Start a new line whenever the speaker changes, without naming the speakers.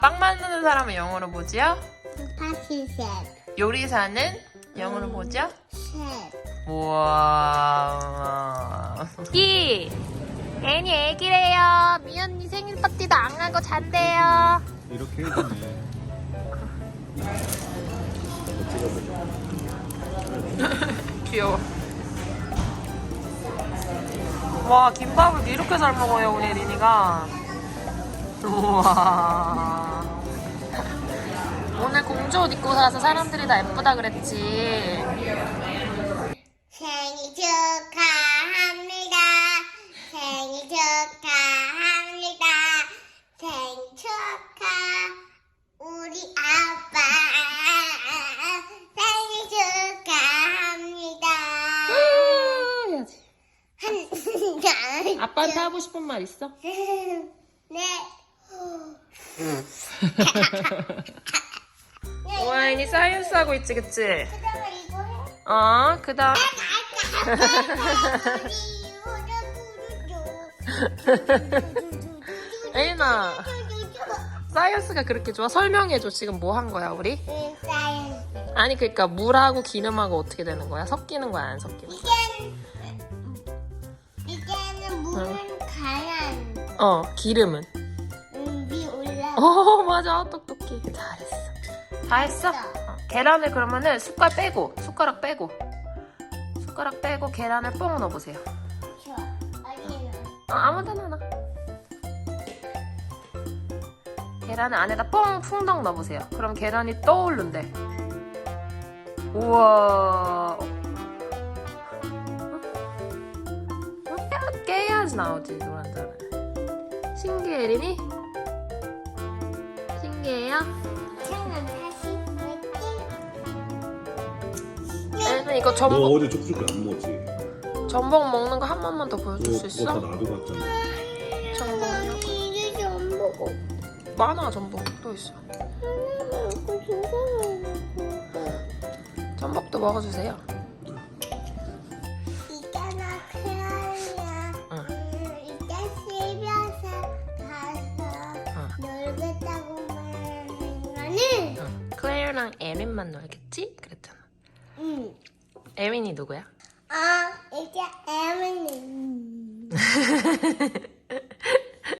빵 만드는 사람은 영어로 뭐지요?
파티셋.
요리사는 영어로 뭐죠?
셋.
우와.
애니 애기래요. 미연이 생일 파티도 안 가고 잔대요.
이렇게 해주네.
귀여워. 와, 김밥을 이렇게 잘 먹어요, 우리 리니가. 우와. 오늘 공주 옷 입고 사서 사람들이 다 예쁘다 그랬지.
생일 축하합니다. 생일 축하합니다. 생일 축하 우리 아빠 생일 축하합니다.
해야지. 아빠한테 하고 싶은 말 있어?
네.
오아인이 사이언스 하고 있지, 그치?
그다음에 이거 해.
그 다음. 에이나, 사이언스가 그렇게 좋아? 설명해줘. 지금 뭐 한 거야, 우리? 아니, 그러니까 물하고 기름하고 어떻게 되는 거야? 섞이는 거야, 안 섞이는 거야?
이제는 물은 가란
기름은?
위 올라.
맞아. 똑똑해. 잘했어. 다 했어? 계란을 그러면은 숟가락 빼고 계란을 뽕 넣어보세요.
좋아. 아니는.
아무 데나 나. 계란을 안에다 뽕 풍덩 넣어보세요. 그럼 계란이 떠오른대. 우와. 깨야지 나오지, 노란자는. 신기해, 리니? 신기해요?
저는 다시 볼게.
애는 이거
너
전복,
어제 족주를 안 먹었지?
전복 먹는 거 한 번만 더 보여줄 수
그거 다
있어?
놔두고 왔잖아.
전복요?
이제 좀 먹어.
많아, 전복. 또 있어.
하나만 두 개만
전복도 먹어주세요.
있잖아, 크라이야.
응.
이따 집에서 가서 놀겠다고 말하는 거는?
클레어랑 에린만 놀겠지? 그랬잖아.
응.
에린이 누구야?
이제 애는